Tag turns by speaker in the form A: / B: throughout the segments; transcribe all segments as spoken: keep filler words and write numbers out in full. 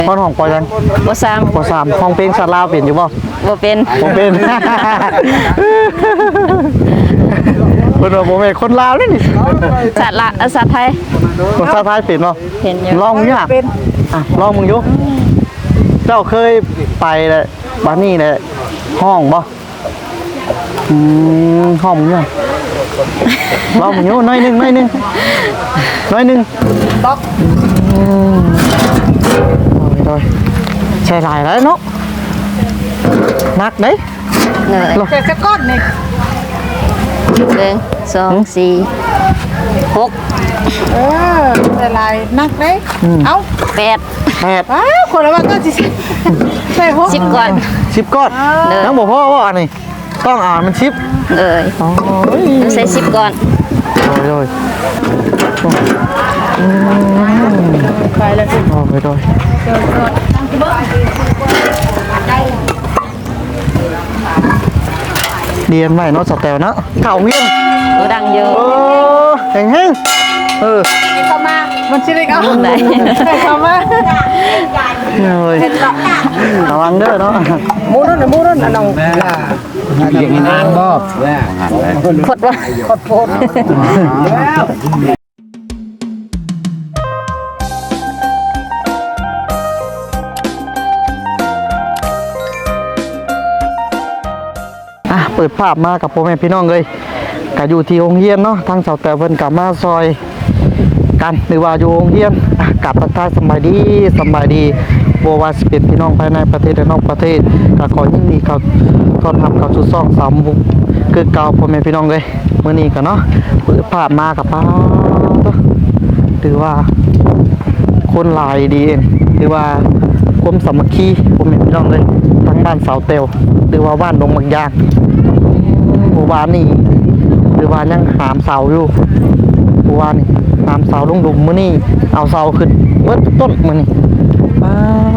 A: ห้องห้องปอยัง
B: ปสาม
A: ปสามห้องเพลงชาลาวเปลี่ยนอยู่บ่
B: บ่เป็น
A: บ่เป็นคนว่าบ่แม่นคนลาวนี่นี่
B: สัตว์ละสัตว์ไทย
A: ภาษาไทยเป็นบ่
B: เป็นอยู่
A: ลองมึงอ่ะอ่ะลองมึงอยู่เจ้าเคยไปเลยบ้านนี้เลยห้องบ่อืมห้องมึงอ่ะลองมึงอยู่น้อยนึงน้อยนึงน้อยนึงต๊อกอืมโอ้ยใช่หลายแล้วเนาะนักเด้
B: เหนื่อย
C: แต่สักก้อนนี่
B: หนึ่งสองสี่หก
C: เออแต่ลายนักเด้เอ้า
B: แปด
A: แปด
C: อ้าวคนละว่าก็สิใช่หก
B: สิบก่อน
A: สิบก้อนน้องบอกพ่อว่าอันนี้ต้องอ่านมันชิป
B: เลยใส่สิบก่อน
A: โดย
C: ไปแล้วสิ
A: โอ้ยโดยเรียนใหม่เนาะสแตลเนาะเข่าเงี้ย
B: ตัวดังเยอะ
A: เออแข็งแห้งเออ
C: เข้ามามันชิลิกเอาไหนเข้ามา
A: เลยระวังเด้อเนาะ
C: มูนั่นมูนั่นน้อง
A: เรียนนานบ่
B: พดว่า
C: พดพด
A: อ่ะเปิดภาพมากับพ่อแม่พี่น้องเลยก็อยู่ที่โรงเรียนเนาะทางเสาแต่เพิ่นกลับมาซอยกันหรือว่าอยู่โรงเรียนอ่ะกลับทักทายสบายดีสบายดีบ่ว่าสิเป็นพี่น้องภายในประเทศและนอกประเทศก็ขอยินดีเข้าต้อนรับเข้าสู่ช่องสามมุกคือเก่าพ่อแม่พี่น้องเลยมื้อนี้ก็เนาะเปิดภาพมากับป้าหรือว่าคนหลายดีหรือว่าความสามัคคีพ่อแม่พี่น้องเลยทั้งบ้านเสาเตวหรือว่าบ้านดงบางยางหมู่บ้านนี่หรือว่ายังหามเสาอยู่หมู่บ้านนี่หามเสาลงดุมมื้อนี้เอาเสาขึ้นเบิดต้นมื้อนี้มา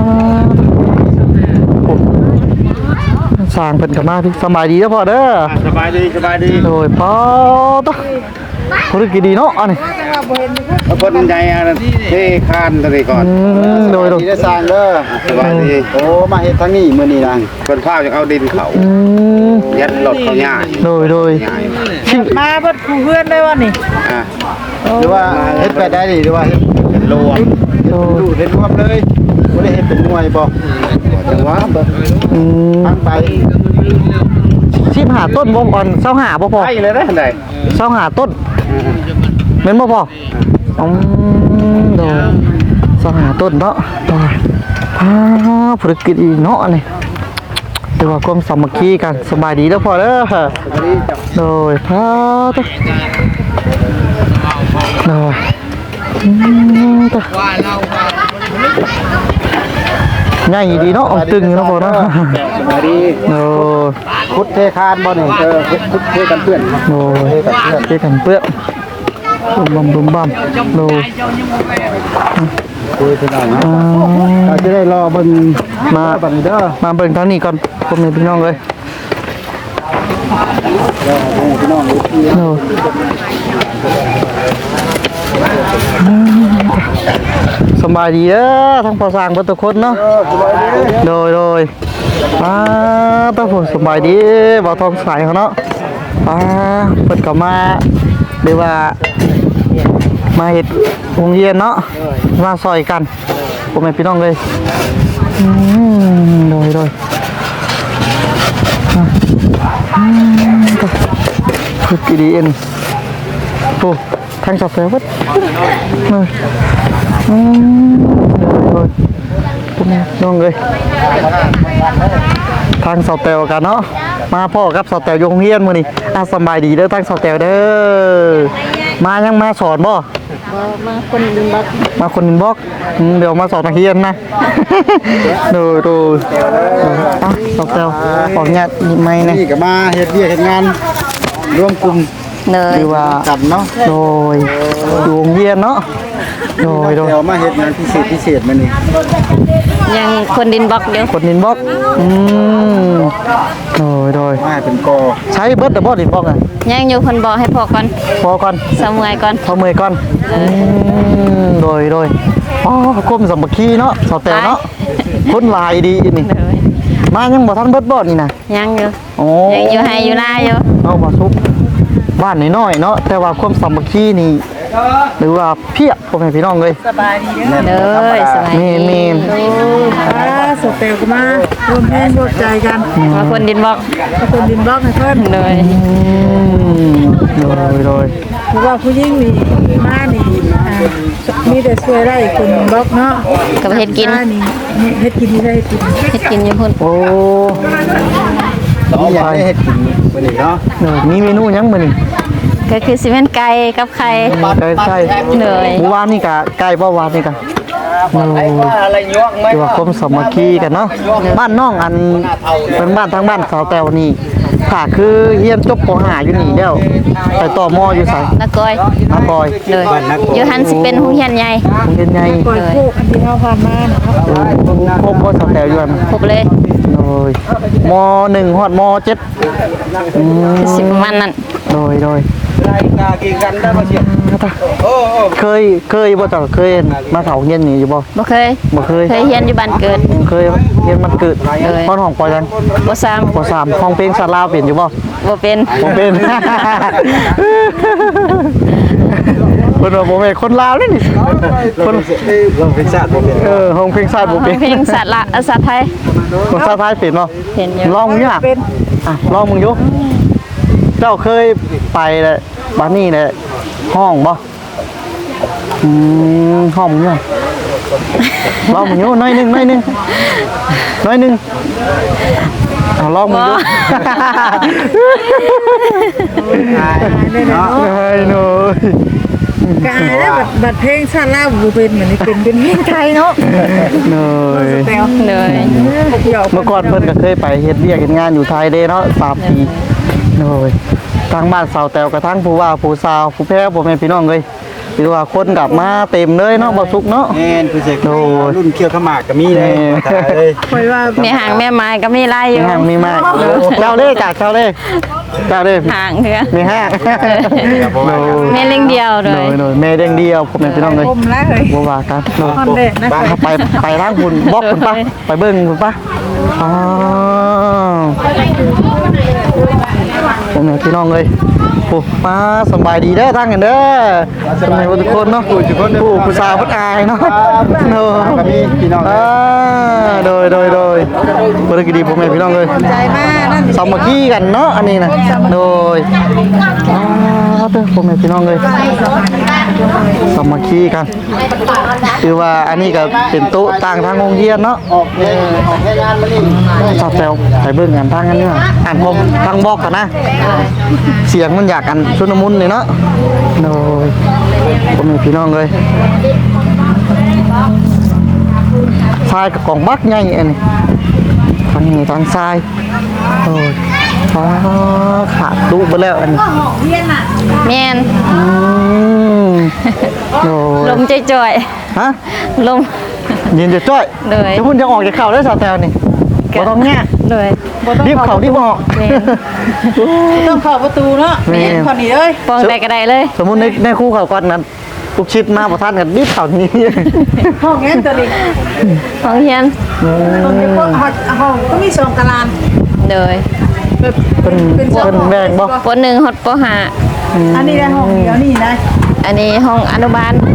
A: สร้างเพิ่นกันมาพี่สบายดีเด้อพ่อเด้อ
D: สบายดีสบายดี
A: โดยพ่อตะธุรกิจดีเนาะอันนี้
D: เอาคนใหญ่อันเทคานตัวนี้ก่อน
A: โดยโดย
D: ได้สร้างเด้อสบายดีโอ้มาเฮ็ดทางนี้มื้อนี้นะเพิ่นพาจะเอาดินเขายัดรถเขาง่าย
A: โดยโดย
C: มาเพิ่นผู้เพื่อนได้ว่านี่
D: อ่ะหรือว่าเฮ็ดไปได้ดิหรือว่าเฮ็ดเป็นรวมดูเฮ็ดรวมเลยบ่ได้เฮ็ดเป็นหน่วยบ่จังหวะบ่
A: อืม
D: ทางไป
A: ชิมหาต้นบ่ก่อนเซาหาบ่พอ
D: ไปเลยได้หั่นใด
A: เซาหาต้นแม่นบ่พออืมโดยเซาหาต้นเนาะโดยอ่าธุรกิจอีเนาะนี่เรียกว่าความสามัคคีกันสบายดีเด้อพ่อเด้อโดยพาตะโดยอืมตะง่ายดีเนาะตึงอยู่เนาะพ่อเนาะ
D: สบายดี
A: โดย
D: พุทธเทคานบ่นี่เออพุทธเทกันเพื่อน
A: โดยเทกันเปื้อนบุ้มบัมบุ้มบัมโดย
D: คุยกันหน่อยนะเราจะได้รอเบิ่ง
A: มา
D: บังเด้อ
A: มาเบิ่งทางนี้ก่อนพ่อแม่พี่น้องเลย
D: พี่น้อง
A: โดสบายดีเด้อทั้งพอสร้างเบิดทุกคนเนาะโดยโดยป้าต้องผมสบายดีบ่ทองใสเขาเนาะป้าเปิดกลับมาหรือว่ามาเห็ดวงเย็นเนาะมาซอยกันผมเป็นพี่น้องเลยโดยโดยคือกีดีเอ็นโอ้ทางสอบเซลล์วัดเลยโดยผมน้องเลยทางสอบเตลกันเนาะมาพ่อกับสอบเตลยงเฮียนมื้อนี้อ่ะสบายดีเด้อทางสอบเตลเด้อมายังมาสอนบ่
B: มาคนดินบล็อก
A: มาคนดินบล็อกเดี๋ยวมาสอนนักเรียนนะดูดูอ่ะสอบเตลออกงานไม่นะ
D: นี่ก็มาเฮ็ดเวียกเฮ็ดงานร่วมกลุ่ม
B: เนย
A: หรือว่า
D: กันเนาะ
A: โดยโรงเรียนเนาะโดยโดย
D: เดี๋ยวมาเฮ็ดงานพิเศษพิเศษมื้อนี้
B: ยังคนดินบล็อกเดียว
A: คนดินบล็อกอืมโดยโดย
D: มาเป็นกอ
A: ใช้เบิร์ดแต่บอดินบล็อกอ่ะ
B: ยังอยู่คนบอกให้พอก่อน
A: พอก่อน
B: สมัยก่อน
A: พอเมื่อยก่อนอืมโดยโดยอ๋อก้มสามัคคีเนาะสาวแต่เนาะคนหลายดีนี่
B: เลย
A: มายังบ่ทันเบิดบ่นี่นะ
B: ยังอยู่
A: โอ้
B: ยังอยู่ให้อยู่หน้าอยู่
A: เอาบ่ซุกบ้านน้อยๆเนาะแต่ว่าความสามัคคีนี่หรือว่าเพียบพ่อแม่พี่น้องเลย
C: สบายดีเด้อ
B: เลยสบาย
A: เมนเมน
C: อ่าสเตลก็มารวมแรงรวมใจกัน
B: มาคนดินบอก
C: ทุกคนดินบล็อกให้เพิ่น
B: เลย
A: อืมโดยโดย
C: เพราะว่าผู้หญิงนี่มานี่อ่ามีแต่ช่วยได้คนบล็อกเนาะ
B: กับเฮ็ดกิน
C: มานี่เฮ็ดกินที่ได้กิน
B: เฮ็ดกินอยู่พุ่น
A: โอ้
D: ต้องอยากได้เฮ็ดกินมื้อนี้เนาะ
A: เนอะมีเมนูหยังมื้อนี่
B: ก็คือสิเป็นไก่กับไข่
A: ไก่ไข่
B: เลย
A: หมู่บ้านนี่กะไก่บ่วานนี่กะโอ้
D: อะไรยวกไหม
A: คือว่าความสามัคคีกันเนาะบ้านน้องอันเป็นบ้านทางบ้านสาวแต้วนี่ค่ะคือเฮียนจบป .ห้า อยู่นี่แล้วไปต่อมออยู่ไส
B: นักก้อย
A: มาปอย
B: เลยอยู่หันสิเป็นหูเฮียนใหญ่
A: โรงเรียนใหญ่
C: ปล่อยโคกอันที่เฮาผ่านมานะครับ
A: พบบ่สาวแต้วอยู่อัน
B: ครบเลย
A: โดยมหนึ่งฮอดมเจ็ดอืม
B: สิประมาณนั้น
A: โดยโดย
D: รายกากินกันได้บ่เสียโอ้โอ้
A: เคยเคยบ่จ้ะเคยมาเขาเฮียนนี่อยู่บ่
B: บ่เคย
A: บ่เคย
B: เคยเฮียนอยู่บ้านเกิด
A: เคยเฮียนมันเกิด
B: เลย
A: ห้องห้องปอยัง
B: บ่ซ้ำ
A: ปสามห้องเพลงสาลาวเปลี่ยนอยู่บ่
B: บ่เป็น
A: ผมเป็น คนว่าผมเป็นคนลาวนี่นี่คน
D: เราเป็นชาติบ่เป็น
A: เออห้องเพลงชาติผมเป็น
B: เพลงสัตว์ละเอ่อสัตว์ไทย
A: คนชาติไทยเป็นเนาะ
B: เป็นอยู่
A: ลองมึงเนี่ยอ่ะลองมึงอยู่เจ้าเคยไปเลยบ้านนี่เลยห้องบ่อืมห้องมึงเนี่ยลองมึงอยู่หน้อยหนึงหน้อยหนึงหน้อยหนึงเอาลองมึงอยู่
D: เนาะ
A: ไอ้หนู
C: กอายแล้วบัดบัดเพลงชาติลาวบ่เป็นเหมือนนี่เป็นเป็นเพลงไทยเนาะ
A: หนู
C: แตว
B: เลย
C: เดี๋ยว
A: เมื่อก่อนเพิ่นก็เคยไปเฮ็ดเวียกเฮ็ดงานอยู่ไทยเด้เนาะสามปีโอ้ยทางบ้านสาวแตวกระทั่งผู้ว่าผู้สาวผู้แพ้บ่แม่นพี่น้องเอ้ยคือว่าคนกลับมาเต็มเลยเนาะบ่สุกเนาะ
D: แม่นผู้เสก
A: โอ้ย
D: รุ่นเคี้ยวขมากก็มีเลยตายเลย
C: คอยว่า
B: มีหางแม่ไม้ก็มีลายอยู่
A: มีห้างมีมากเจ้าเด้กะเจ้าเด้เจ้าเด้
B: หางเถือ
A: มีห้างโอ้ย
B: แม่เลี้ยงเดียวเล
A: โด
B: ย
A: ยโดยแม่เด้งเดียวพ่อแม่พี่น้องเอ้ย
C: คมแล้วเฮ้ย
A: บ่ว่ากันโดย
C: คอนเด็ดนะ
A: บ้านเขาไปไปทางคุณบอกคุณป่ะไปเบิ่งคุณป่ะอ๋อพ่อแม่พี่น้องเอ้ยโอ้มาสบายดีเด้อทางกันเด้อสบายทุกคนเนาะผู้ผู้ผู้สาวผู้อายเนาะเนาะ
D: ก็มีพี่น้อง
A: อ่าโดยโดยโดยบริกดีพ่อแม่พี่น้องเลย
C: ใจมากนั่น
A: สามัคคีกันเนาะอันนี้นะโดยอ่าเด้อพ่อแม่พี่น้องเลยสามัคคีกันคือว่าอันนี้ก็เป็นโต๊ะต่างทางโรงเรียนเนาะ
D: ออกเพลงออกเพลงงานมานี่
A: ชอบแซวไปเบิ่งงานทางกันนี่ว่าอ่านผมทางบอกกันนะ เสียงมันอยากกันชุนมุนเลยเนาะโดยพ่อแม่พี่น้องเลยทรายกับกล่องบักใหญ่อันนี้ทางนี้ทางทรายโอ้ยฟ้าขาดลูกไปแล้วอันนี้
B: แม่น
A: อืมโอ้
B: ล
A: ย
B: มจ่อย
A: ฮะ
B: ๆลม
A: ยืนจะจ้อย
B: เลย
A: จะพูดจะออกจากเข่าได้สาวแตวนี่บ่ต้องแง่
B: เลย
A: รีบเข่ารีบออก
B: แม่น
C: ต้องเข้าประตูเนาะ
A: แม่
C: เห็นคนนี้เลย
B: ปองแต่กระไดเลย
A: สมมุติในในคู่เขาก่อนนั้นลูกชิดมาประทานกันรีบเข่านี้
C: ห้องนี้ตัวนี้
B: ของเฮียน
C: ตรงนี้ก็ห้องห้องก็มีสองตาราง
B: เลย
C: แบบ
A: เป็น
C: เป็น
A: เป็นแบ่งบ่
B: ปหนึ่งฮอดปห้า
C: อันนี้ได้ห้องเดียวนี่นะ
B: อันนี้ห้องอนุบาล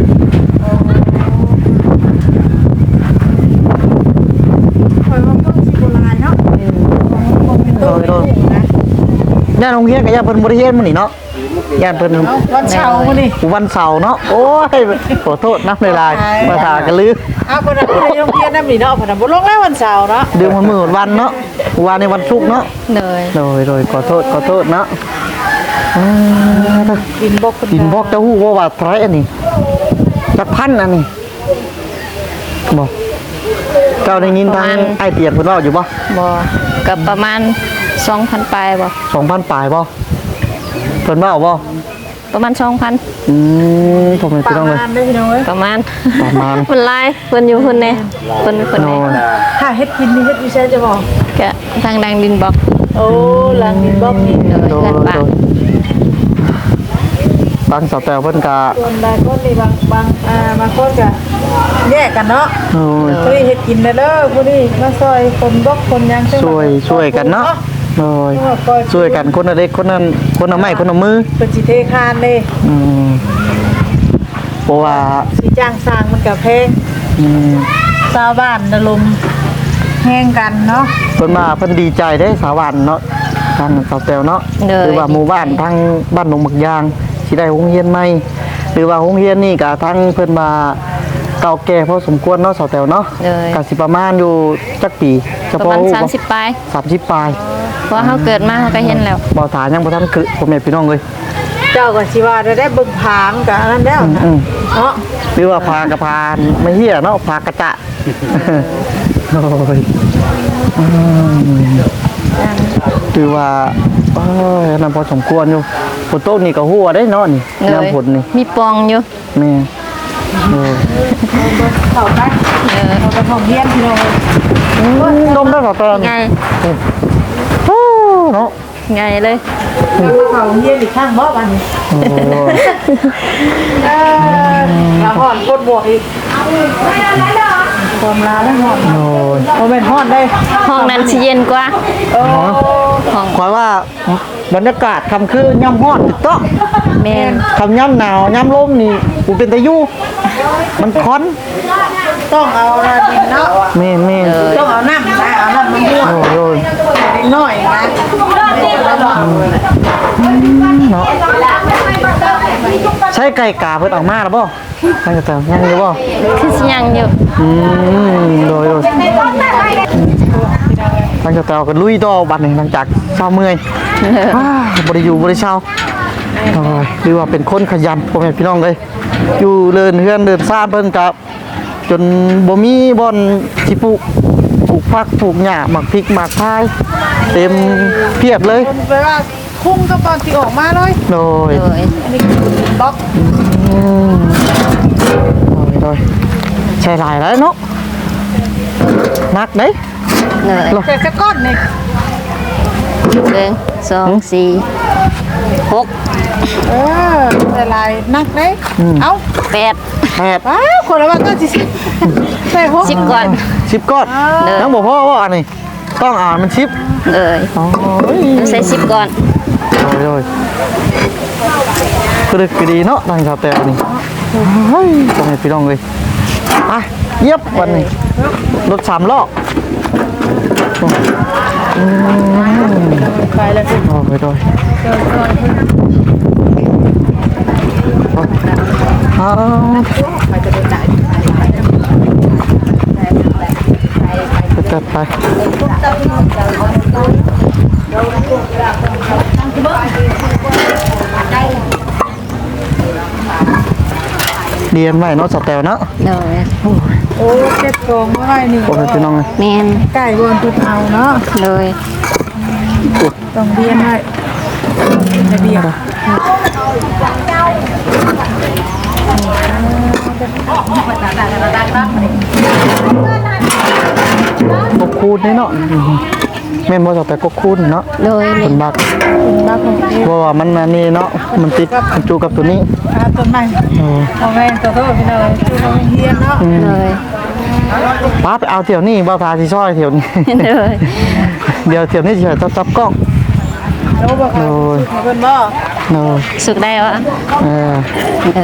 C: คอยว่าต้องสิโบราณเนาะห้องเป็น
A: โด
C: ตู้
A: ยโดย
C: นะ
A: ย่านโรงเรียนกับย่านเพิ่นบ่ได้เรียนมื้อนี้เนาะย่านเพิ่น
C: เอาวันเสาร์มานี่
A: วันเสาร์เนาะโอ้ยขอโทษนะเวลาภาษากันลือ
C: เอาคนนั้นไปโรงเรียนน้ำนี่เนาะคนนั้นบ่ลงแล้ววันเสาร์เนาะ
A: เดือนวันมื้อวันเนาะวันในวันศุกร์เนาะ
B: เลย
A: โดยโดยขอโทษขอโทษเนาะอ่า
C: กินบกคน
A: กินบอกเจ้าฮู้ว่าว่าไทยอันนี้จักพันอันนี้บ่เจ้าได้ยินทางไอ้เตียนเพิ่นเว้าอยู่บ่
B: บ่กับประมาณสองพันปลายบ่
A: สองพันปลายบ่เพิ่นเว้าบ่
B: ประมาณสองพัน
A: อืมผมไม่ต้องเลย
C: งานได้พี่น้องเอ้ย
B: ประมาณ
A: ประมาณ
B: เพิ่นหลายเพิ่นอยู่เพิ่นแน่เพิ่นเพิ่น
A: โน่
B: แน่
A: น
C: ถ้าเฮ็ดกินนี่เฮ็ดวิเศษจะบอก
B: ก็ทางดังดินบอก
C: โอ้หลังดินบล็อกนี่
B: เลย
A: โด
B: เพื่อน
A: น
B: บ้า
A: โด
B: น
A: นบางสาวแต่เพิ่นก็
C: ส่วนบางคนนี่บางบางอ่าบางคนก็แยกกันเนาะ
A: โอ้ย
C: ผู้นี้เฮ็ดกินได้เด้อผู้นี้มาซอยคนบกคนหยังซึ่ง
A: ช่วยช่วยกันเนาะโอ้ยช่วยกันคนละเล็กคนนั้นคนละไม้คนละมือ
C: เป็นสิเทคานเด้
A: อืมเพราะว่า
C: สิจ้างสร้างมันก็แพง
A: อืม
C: ชาวบ้านระลมแห้งกันเนาะ
A: เพิ่นมาเพิ่นดีใจได้สาวันเนาะทางสาวแตวเนาะหรือว่าหมู่บ้านทางบ้านหนองบักยางสิได้โรงเรียนใหม่หรือว่าโรงเรียนนี่ก็ทั้งเพิ่นมาเก่าแก่พอสมควรเนาะสาวแตวเนาะ
B: เลย
A: ก็สิประมาณอยู่จักปีเฉ
B: ประ
A: พาะ
B: มาณสามสิบปลาย
A: สามสิบปลาย
B: เพราะเขาเกิดมาเขาก็เห็นแล้ว
A: บ่ถายังบ่ทันคือพ่อแม่พี่น้องเลย
C: เจ้าก็สิว่าได้ได้เบิ่งผางกับอันนั้นแล้วนะ
A: อืม
C: เนาะ
A: หรือว่าพากระพานไม่เหี้ยเนาะพากระจะโอ้ยอืมคือว่าโอ้ยนั่นพอสมควรอยู่ฝนตกนี่ก็หัวได้เนาะนี่
B: เลย
A: น้ำฝนนี่
B: มีปองอยู่
A: แม่โอ้ย
C: เข้าไป
B: เออ
C: เอาไปห้องเรียนพี่น้อง
A: อืมนมได้ต่อตอน
B: ไง
A: โอ้เนาะ
B: ไงเลย
C: เอาไปเข้าเรียนอีกข้างบ่บัดนี้
A: โอ้ย
C: เออแล้วฮ้อนกดบวกอีกความลาแล้วฮ้อน
A: โอ้ย
C: บ่แม่นฮ้อนได้
B: ห้องนั้นสิเย็นกว่า
C: โอ้
B: ห้อง
A: ขอว่าบรรยากาศคำคือย่ำฮ้อนติดต้อง
B: แม่น
A: คำย่ำหนาวย่ำลมนี่กูเป็นตะยุมันค้อน
C: ต้องเอาละดินเนาะ
A: แม่นแม่น
C: ต้องเอาน้ำนะเอาน้ำมันม่วง
A: โอ้ย
C: นิดหน่อยนะ
A: เนาะใช้ไก่กาเพิ่นออกมาแล้วบ่ใช่แต่ยังอยู่บ่
B: คือสิยังอยู่
A: อืมโดยโดยหลังจากแต่ก็ลุยต่อบัดนี้หลังจากเช้าเมื่อยอ้าบ่ได้อยู่บ่ได้เช้าโอ้ยหรือว่าเป็นคนขยันพ่อแม่พี่น้องเลยอยู่เดินเฮือนเดินซ่านเพิ่นกับจนบ่มีบ่อนสิปลูกปลูกผักปลูกหญ้าหมักพริกหมักพายเต็มเพียบเลย
C: คนไปว่าคุ้มก็ตอนที่ออกมาเลย
A: โดย
B: โดย
C: อันนี้คือบล็อก
A: อืมโดยโดยใช่หลายแล้วเนาะนักเด้
B: เลย
C: แต่สะก้อนนี่
B: หนึ่งสองสี่หก
C: เออแต่ลายนักได้เอ้า
B: แปด
A: แปด
C: ว้าวคนละว่าก็สิใส่หก
B: สิบก่อน
A: สิบก้อน
B: เด้อ
A: น้องบอกพ่อว่าอันนี้ต้องอ่านมันชิป
B: เลย
A: โอ้ย
B: ใส่สิบก่อน
A: โอ้ยโอ้ยกระดึกกระดีเนาะทางชาวแต่นี่เฮ้ยต้องให้พี่น้องเลยอ่ะเย็บวันนี้รถสามล้ออืม
C: ไปแล้วสิ
A: โอ้ยโอ้ยอ้าวจัดไปเรียนไว้เนาะสแตลเนาะ
B: เลย
C: โอ้เจ็ดกองไว้นี่
A: โอ้ยพี่น้องเลย
B: แม่น
C: ไก่บนทุกเอาเนาะ
B: เลย
C: ต้องเรียนให้ระเบียบ
A: กกคูนนี่เนาะแม่นบ่สแตลกกคูนเนาะ
B: เลย
A: เป็นบัก
C: บ้าของเรียน
A: เพราะว่ามันอันนี่เนาะมันติดมันจูกับตัวนี้
C: อาต้นไม้
A: เออ
C: เอาแม่ตัวโตพี่น้อยคือเราเรียนเนาะ
B: เลย
A: ป้าไปเอาเที่ยวนี่บ่พาสิซอยเที่ยวนี้
B: เลย
A: เดี๋ยวเที่ยวนี้สิจะจับกล้อง
C: แล้วบอกว่าเพิ่นบ่
A: เนาะ
B: สุกได้วะ
A: เออ
B: เลย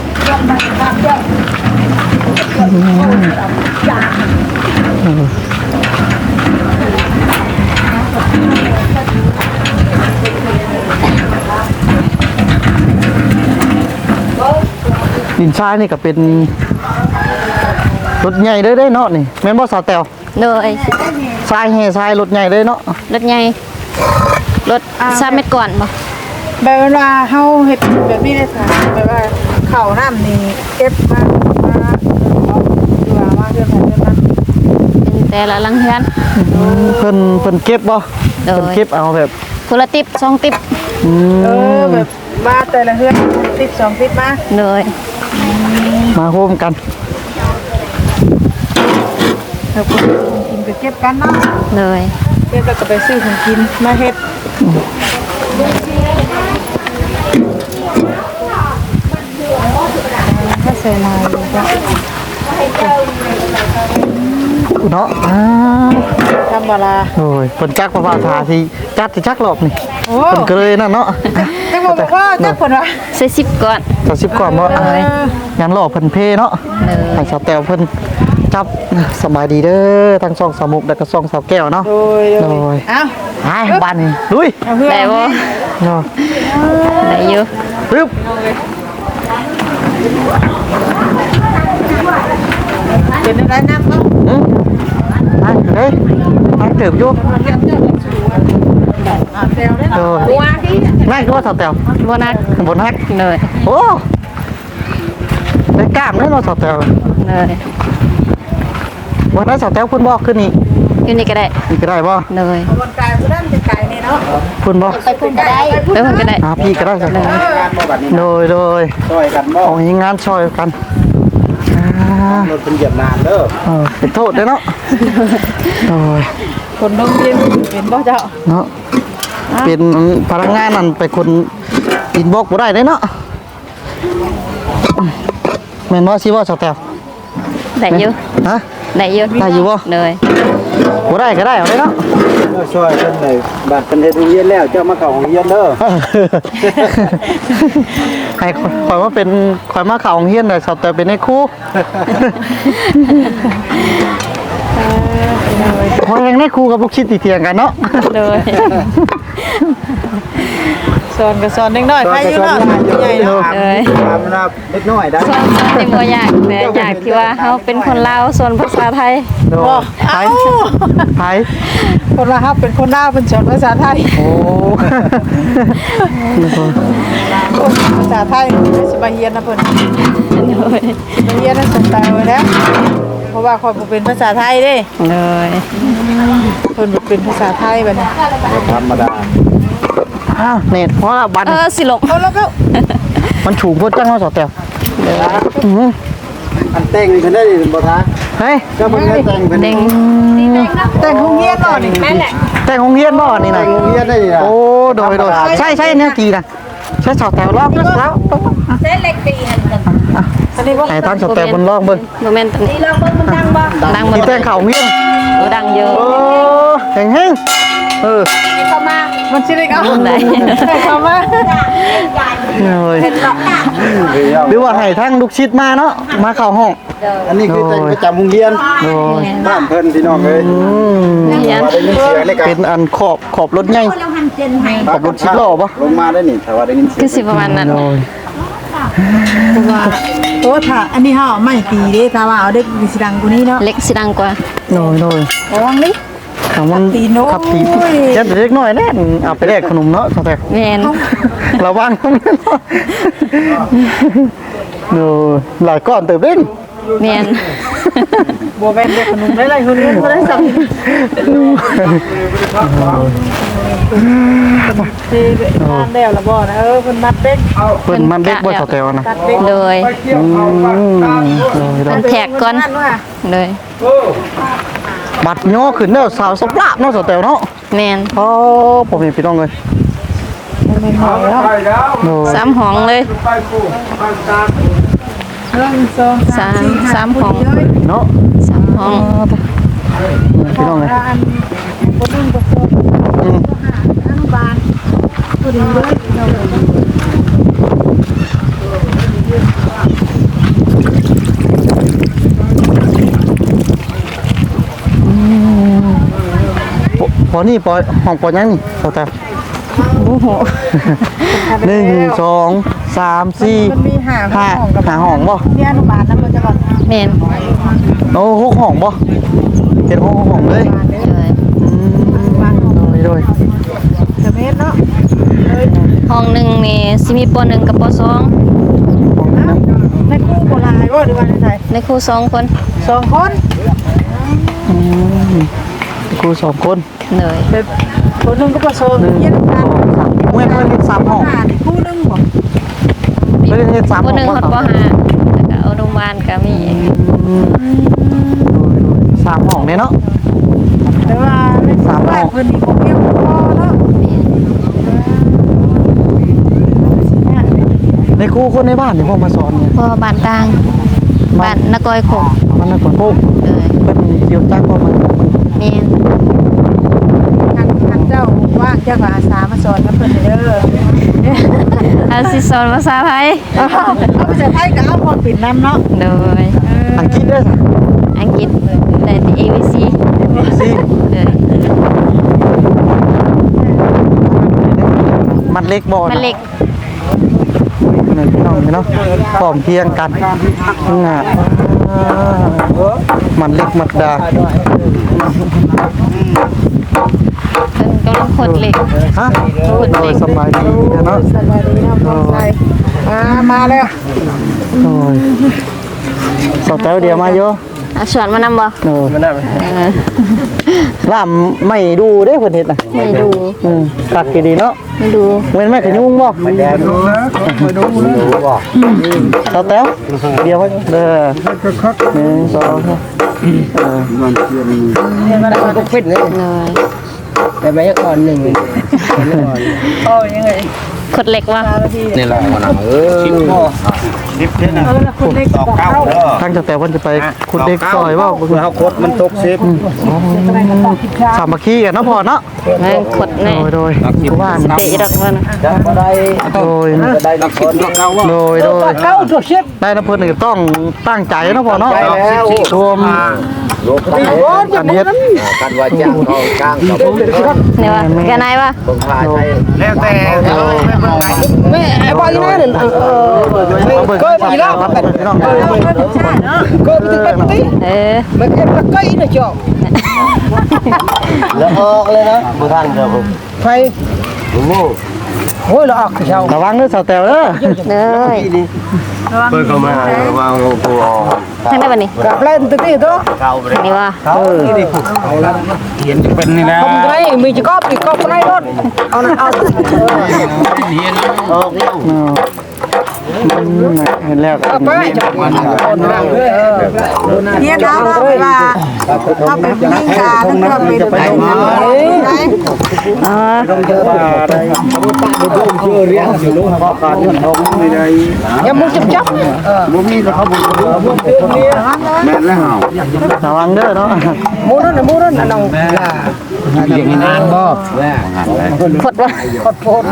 A: ดินทรายนี่ก็เป็นรถใหญ่เลยได้เนาะนี่แม่นบ่สาวแตว
B: เลย
A: ทรายแห่ทรายรถใหญ่เลยเนาะ
B: รถใหญ่รถสามเมตรก่อนบ่
C: แบบว่าเฮาเฮ็ดแบบนี้ได้ค่ะแบบว่าข้าวน้ำนี่เก็บมามาดูว่ามาเดือนไหนเดือนนั้น
B: เป็นแต่ละหลังเฮือน
A: เพิ่นเพิ่นเก็บบ่
B: โดย
A: เพิ่นเก็บเอาแบบ
B: คนละติบสองติบ
A: อืม
C: เออแบบมาแต่ละเฮือนติดสองติดมา
B: เลย
A: มาโฮมกัน
C: แล้วก็กินก็เก็บกันเนาะ
B: เลย
C: เก็บแล้วก็ไปซื้อของกินมาเฮ็ดใส่ลายเลยจ้ะ
A: เนาะอ้า
C: ทำบาลา
A: โอ้ยเพิ่นจักประภาษาสิจัดสิจักรอบนี่
C: โอ้
A: เพิ่นก็เลยนั่นเนาะ
C: จังบอกว่าจักคนวะ
B: ใส่สิบก่อน
A: สักสิบกว่าบ่อ่ะยันรอบเพิ่นเพเนาะ
B: เลย
A: ให้สาวแต้วเพิ่นจับสบายดีเด้อทั้งสองสาวมุกแล้วก็สองสาวแก้วเนาะ
C: โดยโด
A: โด
C: ย
A: ย
C: เอ้า
A: ไปบ้านนี่ลุย
C: เอาเพื่อน
B: ได้บ่
A: เนาะ
B: ได้อยู่
A: ปึ๊บ
C: เป็นอะไรน้ำเนาะ
A: อืมไปเด้ยไปเติบอยู่
C: อ่าเซลได้
A: โด
C: เนาะ
A: ยนั่นก็ว่าสาวแต้ว
B: บ่นัก
A: บนฮัก
B: เลย
A: โอ้ได้กล้ามได้เนาะสาวแต้ว
B: เลย
A: วันนั้นสาวแต้วเพิ่นบอกขึ้นนี่
B: อยู่นี่ก็ได้
A: นี่ก็ได้บ่
B: เลย
C: บนกายผู้นั้นเป็นกายนี่เนาะ
A: เพิ่นบอก
C: ไปพุ่นก็ได้
B: ไปเพิ่นก็ได้
A: อ่าพี่ก็ได้สาวแต้ว
D: งานบ่บัดนี้
A: โดยโดย
D: ช่วยกันบ่
A: เอาให้งานช่วยกันอ่าร
D: ถเป็นเหยียบนานเด้อ
A: เออเป็นโทษเด้อเนาะโดย
C: คนต้องเรียนเป็นบ่เจ้า
A: เนาะเป็นพนักงานนั่นไปคนอินบ็อกซ์บ่ได้เด้เนาะแม่นบ่สิว่าสาวแต้ว
B: ได้อยู่
A: ฮะ
B: ได้อยู่
A: ได้อยู่บ่
B: เลย
A: บ่ได้ก็ได้เอาเลยเนาะ
D: ช่วยเพิ่นเลยบัดเพิ่นเฮ็ดโรงเรียนแล้วเจ้ามาเข้าโรงเรียนเด้อ
A: ให้คอยว่าเป็นคอยมาเข่าโรงเฮียนแต่สอบแต่เป็นในครู่พอยังในครู่กับพวกชิดตีเทียงกันเนาะ
B: เลย
C: สอนก็สอนเด็กน้อยใครอยู่เนาะใหญ่เนาะ
B: เลย
D: ตามนับเล็กน้อยได้
B: ส่วนที่บ่อยากแต่อยากที่ว่าเฮาเป็นคนลาวส่วนภาษาไทย
A: โด
C: บ่
A: ไท
C: เอ้าย
A: ไทย
C: คนละครับเป็นคนลาวเป็นสอนภาษาไทย
A: โอ้
C: ภาษาไทยสิมาเรียนนะเพิ่น
B: เลย
C: มาเรียนน่ะสนใจไว้แล้วเพราะว่าข้อยบ่เป็นภาษาไทยเด้
B: เลย
C: เพิ่นบ่เป็นภาษาไทยบัดนี้
D: ธรรมดา
A: อ้าวเน็ตเพราะว่าบัน
B: เออสิลง
C: เอาแล้วก็
A: มันถูกพวกจังว่าสอบแต่อื้อหือ
D: อันแต่งเพิ่นได้บ่ทา
A: เฮ้ย
D: เจ้าเพิ่นได้แต่งเพิ่น
B: เด้ง
C: แต่งโรงเรียนเนาะนี่แม่นแหละ
A: แต่งโรงเฮียนบ่นี่
D: แต่
A: นะ
D: งโรงเรียนได้นี่นะ
A: โอ้โดยโดยใช่ใช่เนี่ยกีนะใช่สอบแต่รอบแล้ว
C: อันนี้บ่
A: ไหนตั้งสอบแต่บนรอบเบิ่ง
B: บ่แม่นตรงนี้
C: ดังบ่
B: ดังบ่
A: ที่แต่งเข่าโรงเฮียน
B: โอ้ดังเยอะ
A: โอ้แข็งแห้งเออ
C: มันสิได้เอา
B: ได้
C: เข้ามา
A: เลย
D: เดี๋ยว
A: หรือว่าให้ทั้งลูกชิดมาเนาะมาเข้าห้อง
D: อันนี้คือแต่งประจำโรงเรียน
A: โดย
D: บ้านเพิ่นพี่น้องเอ้ย
A: อืม
B: เรียน
D: ว่าได้ยินเสียงในการ
A: เป็นอันขอบขอบรถใหญ่ขอบรถชิดล้อปะ
D: ลงมาได้นี่ถ้าว่าได้ยินเสีย
B: คือง สิประมาณนั้น
A: โดย
C: เพราะว่าโอ้ถ้าอันนี้เฮาไม่ตีเด้ถ้าว่าเอาเด็กสิดังกว่านี้เนาะ
B: เล็กสิดังกว่า
A: โดยโดย
C: ระวังดิ
A: ถามมัน
C: ตีโน้ต
A: ขับตียัดเล็กน้อยแน่นเอาไปแลกขนมเนาะสแต็ก
B: แม่น
A: ระวังต้องเนาะโดยหลายก้อนเติบเด้ง
B: แม่น
C: บ่แม่นเด็กขนมได้ไรคนนี้บ่ได้สั่งที่ทานแล้วละบ่นะเออเพิ่นมัดเด็ก
A: เพิ่นมันเด็กบ่สแต็กนะ
C: ตัดเด็ก
B: โดย
A: อืมโดยโดย
B: แท็กก่อน เลย
A: บัดย่อขึ้นเด้อสาวสปราบเนาะสแต็กเนาะ
B: แม่น
A: อ๋อผมเห็นพี่น้องเลย
C: แม่นหอยแล้ว
A: โดย
B: สามห้องเลย
C: เรื่องสอง
B: สามสามห้อง
A: เนาะ
B: สามห้อง
A: พี่น้องเลย
C: อันคนนึงก็สอง
A: อืม
C: อนุบาลพอดีเลยเรา
A: พอพอนี่ปอยห้องปอยยังนี่สแต็ก
B: โอ้โห
A: หนึ่งสองสามสี่
C: มันมีห้า
A: ห้า
C: ห้องกับ
A: หาห้องบ่
C: ที่อนุบาลนั้นมันจะก่อน
B: แม่น
A: โอ้หกห้องบ่เห็นหกห้องเลย
B: เลย
A: อืมโดยโดย
C: จะเมตรเนาะเลย
B: ห้องหนึ่งนี่สิมีปหนึ่งกับปสอง
A: ห้องนั้น
C: ในคู่โบราณว่าดีว่าในไทย
B: ในครูสองคน
C: สองคน
A: อืมครูสองคน
B: เลย
C: เป็นคนนึงก็ประสบ
A: หนึ่ง
C: เยี่ยม
A: ส
C: กั
A: อน งสามเมื่อเมื่อเห็นสามห้อง
C: อ่านคู่นึงบ่
A: เมื่อเห็นสาม
B: ป
A: ห้อง
B: หนึ่ง
A: บ่
B: ฮอดปห้าแล้วก็อนุบาลก็มี
A: อืมโดยโดยสามห้องเนี่ยเนาะ
C: แต่ว่าในสามแรกเพิ่นมีบ่เพียงพอเนาะ
B: แม่น
C: เ
A: ในครูคนในบ้านนี่พ่อมาสอนเนี่ย
B: พอบ้านต่างบ้านนกอยขก
A: มันน่ะคนพวก
B: เลย
A: เป็นเกี่ยวจ้างพ่อมา
B: แม่น
C: ท่านท่านเจ้าว่างเจ้าก็อาสามาสอนกับเพิ่นเด้อ
B: อาสิสอนภาษาไทย
C: เอาภาษาไทยก็เอาคนปิดน้ำเนาะ
B: โดย
A: อังกฤษด้วยสิ
B: อังกฤษได้ที่ เอ บี ซี
A: สิ
B: เลย
A: มันเล็กบ่
B: มันเล็ก
A: นี่พี่น้องเนาะพร้อมเพรียงกันน่ะมันเล็กมัดดา
B: เพิ่นกำลังขดเหล็ก
A: ฮะ
B: ขุดเหล็ก
A: สบายดีเนาะ
C: สบายดีเนาะพ่อใส่อ่ามาแล้ว
A: โอ้ยสาวแต้วเดียวมาโย
B: เอาสอนมานำบ่
A: โอ้ย
B: เออ
A: ล่ามไม่ดูเด้เพิ่นเฮ็ดน่ะ
B: ไม่ดู
A: อืมตักกี่ดีเนาะ
B: ไม่ดู
A: เว้นแม่ขยุงบ่
D: แดนดูนะมาดูนะดูบ่
A: สาวแต้วเดียวไว้เด้อหนึ่งสองเออ
D: มันเทียน
E: ก็ฟิตเลย
B: เลย
E: แต่ไม่ก่อนหนึ่ง
C: โอ้ยังไง
B: ขดเหล็กว่ะ
D: นี่แหละมันเออชิปพ่อชิปเนี่ยนะตอกเก้าเด้อ
A: ทางสาวแต้วเพิ่นจะไปขุดเด็กซอยบ่
D: เพื่อเฮาคดมันตกสิบ
A: สามัคคีกันเนาะพ่อเนาะ
B: แม่งขดแน่
A: โดยโดยผู้ว่า
B: สติดักว่านะ
E: จะมาได้
A: โดยนะ
E: ได้นักคน
D: ตอกเก้าว่า
A: โดยโดย
E: เก้าตัวชิป
A: ได้นะเพิ่นนี่ต้องตั้งใจเนาะพ่อเนาะ
E: ใจแล้ว
A: รวม
E: โลกกัน
A: กันเฮ็ด
E: กันว่าจ้างเขาจ้างกับ
B: เนี่ยว่าแกนายว่า
E: คนพาไทย
D: แล้วแต่เออ
E: แม่ไอ้บอยนั่นเออ
A: ก็มีแล้วพี่น้อง
E: ก็ไปไปไป
B: เออ
E: มันเก็บตะไคร้นะจ๊อกแล้วออกเลยนะผู้ท่านเด้อไฟโอ้โหเราออกเช้า
A: ระวังเด้อสาวแต๋วเด้อ
B: เลย
D: เพิ่นก็มาว่าผู้ออก
B: ทางได้ป่ะนี่
E: กับเล่นตัวนี้ตัว
D: เก้าไปเลย
B: นี่ว่า
A: เออ
D: เห็นเป็นนี่นะ
E: ทำไรมีจะก๊อปอีกก๊อปไรรถเอานะเอา
D: เห็นออกแล้ว
A: เห็นแล้ว
E: ไปจับมันคนนั่งเลย
C: เนี่ยนะเวลาเอาไปปิ้งกาถ้าเกิดเป็นไปได้ได้
B: อ๋อ
E: ยังมุจับจับ
D: บ่มีแล้วเขาบ่แม่นแล้วเฮา
A: ระวังเด้อเนาะ
E: มูนั่นมูนั่นน้อง
D: อย่างนี้นานบ่
B: ขดว่า
E: ขดโพด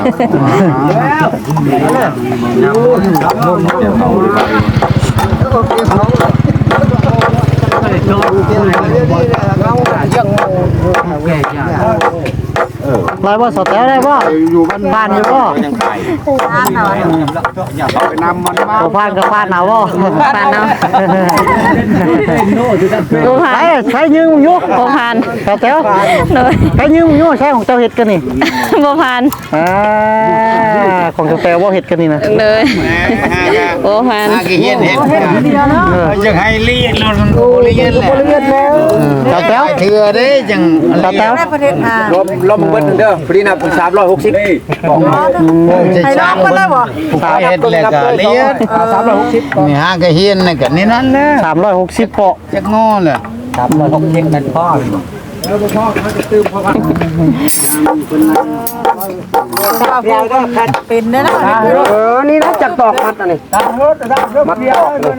A: ลอยบ่สาวแต๋วได้บ่
D: อยู่บ้าน
A: ผ่านอยู่บ่
D: ยังไงอย่าไปนำมันมา
A: บ่ผ่านก็ผ่านเอาบ่
B: ปานเนาะ
A: ดูผ่านใช้ยืมอยู่
B: บ่ผ่าน
A: สาวแต๋ว
B: เลย
A: ใช้ยืมอยู่ใช้ของเจ้าเฮ็ดกันนี่
B: บ่ผ่าน
A: อ่าของสาวแต๋วบ่เฮ็ดกันนี่นะ
B: เลยบ่ผ่าน
D: กี่เย็นเห็น
A: เออ
D: จะให้เรียนเราเรียนแหละ
A: สาวแต๋ว
D: เถื่อได้จัง
A: สาวแต๋ว
C: ได้ประเทศอ่า
E: ลมลมเบิ้ลเด้อปรีนับสามร้อยหกสิบ
C: ให้ลองกันเลยบ่
D: สาเหตุแหละก็เรียน
E: สามร้อยหกสิบ
D: นี่ฮะก็เฮียนน่ะก็นี่นั่นแหละ
A: สามร้อยหกสิบเปาะ
D: จักงอแหละ
E: สามร้อยหกสิบนั่นพ่อ
C: เราเป็นได้แล้ว
E: เออนี่นะจักตอกมัดอันนี้มัดตอกเลย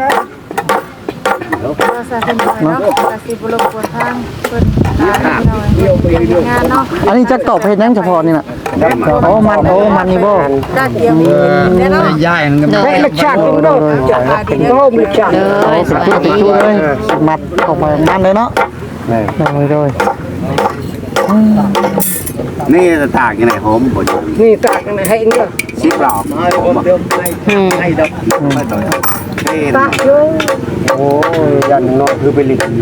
C: เราใส่เป็นเนาะกสิบรบกวนทางเพิ่นหาหน่อยงานเนาะ
A: อันนี้จะตอบเฮ็ดหยังเฉพาะนี่น่ะโอ้มันโอ้มันนี่บ่
C: ได้เตรียมเนี่ยเนาะ
D: ย้ายกัน
B: เล
E: เฮ้ย
B: ย
E: ลักชาติกินโดดจักโดดลักชาติ
B: เลยสบาย
A: จุดติด
B: ดี
A: จุดเลยมัดออกมามันเลยเนาะเลยเลย
D: นี่ตากยังไงหอมบ่
E: นี่ตากให้เนี่ย
D: สิบหลอก
B: อืม
E: ตากอยู่โอ้ยยันน้อยคือไปลิง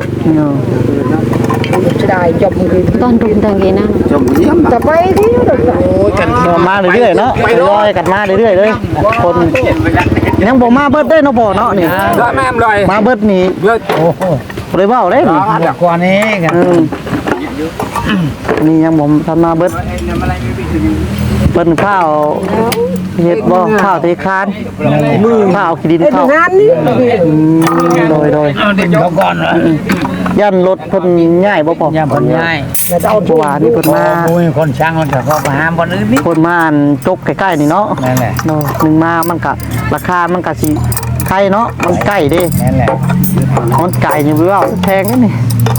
E: จะได้จบมือ
B: ตอนรุมตังกี้นั่ง
D: ชมเยี่ยม
E: จะไปที่
A: มาเรื่อยๆเนาะลอยกันมาเรื่อยๆเลยคนยังบ่มาเบิดได้เนาะบ่เนาะนี่
E: ก็แม่มลอย
A: มาเบิดนี่
E: เบิดโอ้โห
A: เลยเว้าเลยนี่
E: กว่านี้กัน
A: อืมนี่ยังบ่ทันมาเบิดพิ่นข้าวเฮ็ดบ่ข้าวเทคานมือข้าวขี้ดินข้าว
E: งานนี้
A: อืมโดยโดย
F: เอาเด็กเขาก่อนเหรอ
A: ยันรถเพิ่นง่ายบ่พอย่
F: าคนง่าย
A: แล้วเอาตัวนี่เพิ่นมา
F: โอ้ยคนช่างมันก็เข้าไปหามบนอื่นนี่
A: เพิ่นมาอันจกใกล้ๆนี่เนาะ
F: นั่นแหละ
A: เนาะหนึงมามันก็ราคามันก็สิไข่เนาะมันใกล้เด้
F: นั่นแหละ
A: มันไก่นี่เว้าแพงนี่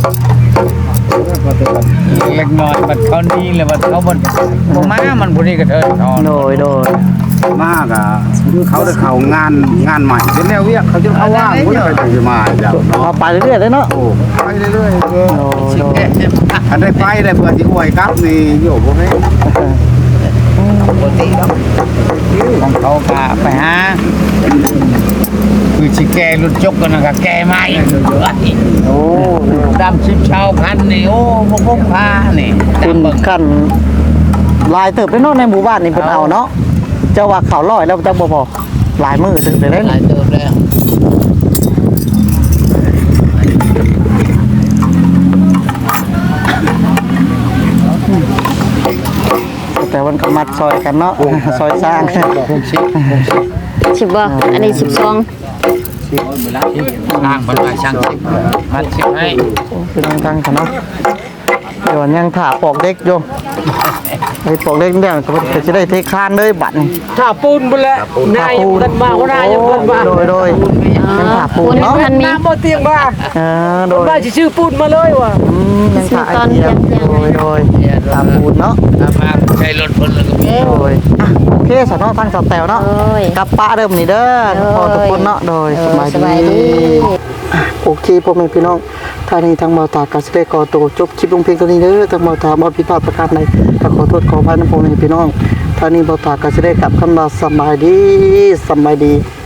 F: เล็กน้อยบัดเขานี่เลยบัดเขาบนผมมามันพอดีกระเทินทอน
A: โดยโดย
D: มากอ่ะเขาได้เข้างานงานใหม่เป็นแนวเวียกเขาจะเข้าว่างบ่ได้ไปจะมาเจ้า
A: เอาไปเรื่อยๆเลยเนาะ
D: โอ้ไปเรื่อยๆเออ
A: โดยโดย
D: อันได้ไปได้เพื่อสิอวยครับนี่โยบ่แม่น
F: ปกติเนาะของเขาพาไปหาคือชิแกรถจกกันนะก็แกมาอีก
A: โอ้
F: ดำชิบชาวพันนี่โอ้พวกพกพานี่
A: คุณ
F: ดำเบิ่ง
A: ขั้นลายเติบได้เนาะในหมู่บ้านนี่เพิ่นเอาเนาะเจ้าว่าเขาวร้อยแล้วจังบ่พอหลายมื้อถึงได้เด้
F: หลายเติมแล้ว
A: แต่มันก็มัดซอยกันเนาะซอยสร้าง
B: สิบบ่อันนี้สิบสอง
F: ช่างบรรดาช่างสิบมัดสิบให้
A: คือตั้งๆกันเนาะเดี๋ยวยังถาปอกเด็กอยู่ไอ้ปอกเด็กเนี่ยก็จะได้เทคานเลยบัดนี่
E: ถ้าปูนไปแล้วนายกันมาว่านายยังกันมา
A: โดยโดยยังถาปูนเนาะ
B: ทันมี
E: น้ำบ่เตียงมา
A: เออโดย
E: มาชื่อปูนมาเลยว่ะ
A: อืมยังถาไอเดียโดยโดยถาปูนเนาะ
F: ถ้ามาใช้รถคนแล้วก็มี
A: โดยอ่ะโอเคสนอตั้งสแตวเนาะ
B: โอ้ย
A: กับป้าเริ่มนี่เด้อพอทุกคนเนาะโดยสบาย
B: สบาย
A: ดี
B: ดี
A: โอเคพ่อแม่พี่น้องท่านี้ทางเมาตากาสิได้ก่อโตวจบคลิปลงเพียงเท่านี้เด้อทางเมาตาบ่ผิดพลาดประการใดก็ขอโทษขออภัยนะพ่อแม่พี่น้องท่านี้เมาตากาสิได้กลับคำว่าสบายดีสบายดี